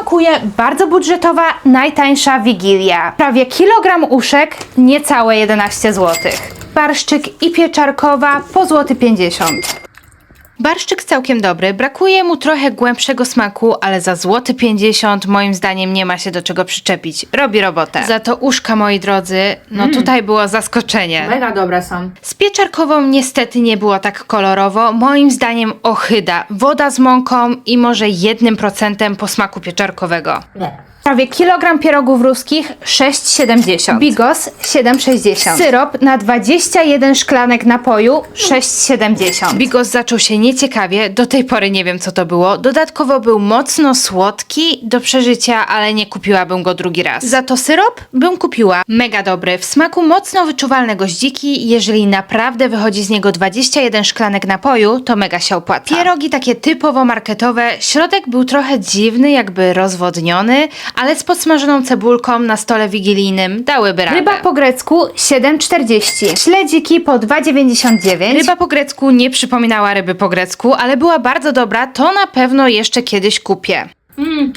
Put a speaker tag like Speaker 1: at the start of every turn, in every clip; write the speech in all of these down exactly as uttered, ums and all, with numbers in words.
Speaker 1: smakuje bardzo budżetowa, najtańsza Wigilia. Prawie kilogram uszek, niecałe jedenaście złotych. Barszczyk i pieczarkowa po złoty pięćdziesiąt. Barszczyk całkiem dobry, brakuje mu trochę głębszego smaku, ale za złoty pięćdziesiąt moim zdaniem nie ma się do czego przyczepić. Robi robotę. Za to uszka, moi drodzy, no mm. tutaj było zaskoczenie.
Speaker 2: Mega dobre są.
Speaker 1: Z pieczarkową niestety nie było tak kolorowo. Moim zdaniem ohyda. Woda z mąką i może jednym procentem posmaku pieczarkowego.
Speaker 2: Nie.
Speaker 1: Prawie kilogram pierogów ruskich sześć siedemdziesiąt. Bigos siedem sześćdziesiąt. Syrop na dwadzieścia jeden szklanek napoju sześć siedemdziesiąt. Bigos zaczął się nieciekawie, do tej pory nie wiem co to było. Dodatkowo był mocno słodki do przeżycia, ale nie kupiłabym go drugi raz. Za to syrop bym kupiła. Mega dobry, w smaku mocno wyczuwalne goździki. Jeżeli naprawdę wychodzi z niego dwadzieścia jeden szklanek napoju, to mega się opłaca. Pierogi takie typowo marketowe. Środek był trochę dziwny, jakby rozwodniony, ale z podsmażoną cebulką na stole wigilijnym dałyby radę. Ryba po grecku siedem czterdzieści. Śledziki po dwa dziewięćdziesiąt dziewięć. Ryba po grecku nie przypominała ryby po grecku, ale była bardzo dobra, to na pewno jeszcze kiedyś kupię.
Speaker 2: Mm.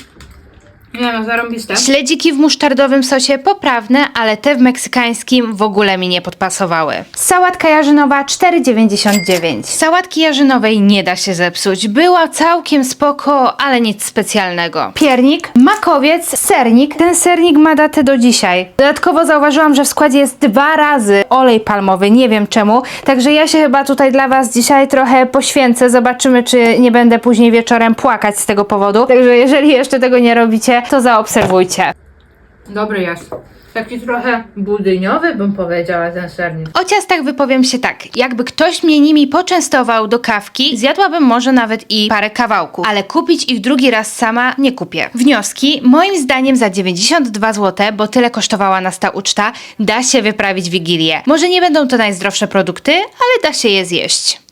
Speaker 2: Nie no, zarąbiste.
Speaker 1: Śledziki w musztardowym sosie poprawne, ale te w meksykańskim w ogóle mi nie podpasowały. Sałatka jarzynowa cztery dziewięćdziesiąt dziewięć. Sałatki jarzynowej nie da się zepsuć. Była całkiem spoko, ale nic specjalnego. Piernik, makowiec, sernik. Ten sernik ma datę do dzisiaj. Dodatkowo zauważyłam, że w składzie jest dwa razy olej palmowy, nie wiem czemu. Także ja się chyba tutaj dla was dzisiaj trochę poświęcę. Zobaczymy, czy nie będę później wieczorem płakać z tego powodu. Także jeżeli jeszcze tego nie robicie, to zaobserwujcie.
Speaker 2: Dobry jest. Taki trochę budyniowy bym powiedziała ten sernik.
Speaker 1: O ciastach wypowiem się tak. Jakby ktoś mnie nimi poczęstował do kawki, zjadłabym może nawet i parę kawałków. Ale kupić ich drugi raz sama nie kupię. Wnioski, moim zdaniem za dziewięćdziesiąt dwa złote, bo tyle kosztowała nas ta uczta, da się wyprawić Wigilię. Może nie będą to najzdrowsze produkty, ale da się je zjeść.